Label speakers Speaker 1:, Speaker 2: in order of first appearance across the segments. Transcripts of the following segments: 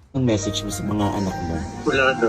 Speaker 1: Ang message mo sa mga anak mo?
Speaker 2: Wala na.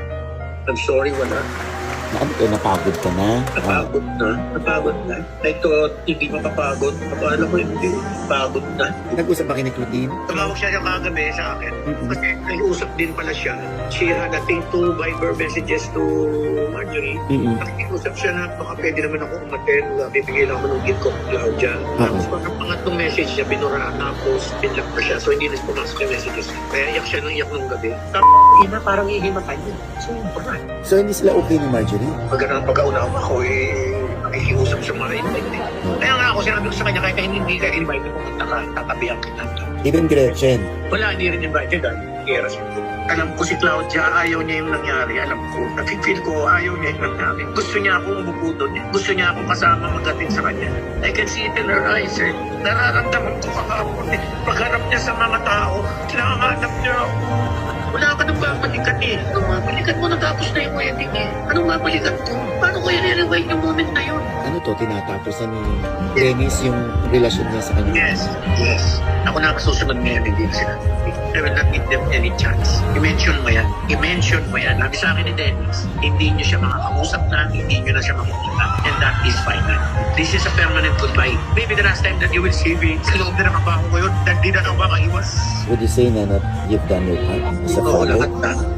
Speaker 2: I'm sorry, wala.
Speaker 1: Na ano ka, napagod ka na?
Speaker 2: Napagod na. Napagod na. I thought hindi mapapagod. Akala ko hindi. Napagod na.
Speaker 1: Nag-usap ba kayo ni Claudine?
Speaker 2: Tumawag siya yung kagabi sa akin.
Speaker 1: Mm-mm.
Speaker 2: Kasi nag-usap din pala siya. She had, I think, 2 Viber messages to Marjorie.
Speaker 1: Mm-mm.
Speaker 2: Nakikiusap siya na baka pwede naman ako umaten. Bibigay lang ako ng gift ko kay Claudia. Tapos pag pangatlong message niya, binuraan tapos pinlock pa siya. So hindi na pumasok yung messages. Kaya iyak siya ng iyak nung gabi. Tapos ina, parang ihimatay niya. So yun pa.
Speaker 1: So hindi sila okay ni Marjorie?
Speaker 2: Pagkaunawa ako, nakikiusap sa mga invite. Kaya nga ako sinabi ko sa kanya, kahit hindi ka invite, pumunta ka, tatabihan kita.
Speaker 1: Even Gretchen?
Speaker 2: Wala, hindi rin invited dahil kaya siya. Alam ko si Claudia, ayaw niya yung nangyari. Alam ko, nakikil ko, ayaw niya yung nangyari. Gusto niya akong umupo doon. Gusto niya akong kasama magating sa kanya. I can see it in her eyes. Nararamdaman ko kahapon. Pagharap niya sa mga tao, kinahanap niya ako. Wala ka nang babalikan eh. Anong babalikan mo? Natapos na yung wedding eh. Anong babalikan ko? Paano ko yan i-rewind yung moment na yun?
Speaker 1: Ano to, tinatapos na ni Dennis yung relasyon niya sa kanya?
Speaker 2: Yes. Ako nakasusunod ngayon, hindi na sila. I will not give them any chance. I-mention mo yan. I-mention mo yan. Sabi sa akin ni Dennis, hindi niyo siya makakausap na, hindi niyo na siya makikita. And that is final. This is a permanent goodbye. Maybe the last time that you will see me, sa loob na ng baho ko yun, hindi na ako makaiwas.
Speaker 1: Would you say na you've done your part as a
Speaker 2: Oo,
Speaker 1: father?
Speaker 2: lahat.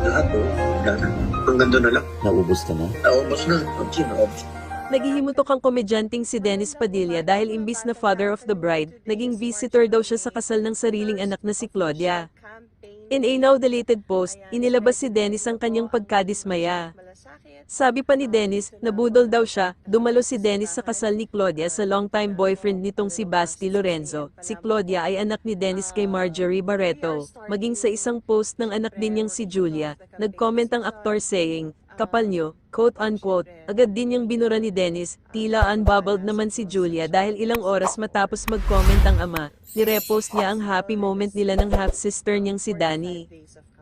Speaker 2: Hanggang doon na lang.
Speaker 1: Naubos ka na?
Speaker 2: Naubos na. Naubos.
Speaker 3: Naghihimutok ang komedyanteng si Dennis Padilla dahil imbis na father of the bride, naging visitor daw siya sa kasal ng sariling anak na si Claudia. In a now deleted post, inilabas si Dennis ang kanyang pagkadismaya. Sabi pa ni Dennis, nabudol daw siya, dumalo si Dennis sa kasal ni Claudia sa longtime boyfriend nitong si Basti Lorenzo. Si Claudia ay anak ni Dennis kay Marjorie Barreto. Maging sa isang post ng anak din niyang si Julia, nag-comment ang aktor saying, "Kapal nyo," quote-unquote. Agad din niyang binura ni Dennis, tila unbubbled naman si Julia dahil ilang oras matapos mag-comment ang ama. Nirepost niya ang happy moment nila ng half-sister niyang si Dani.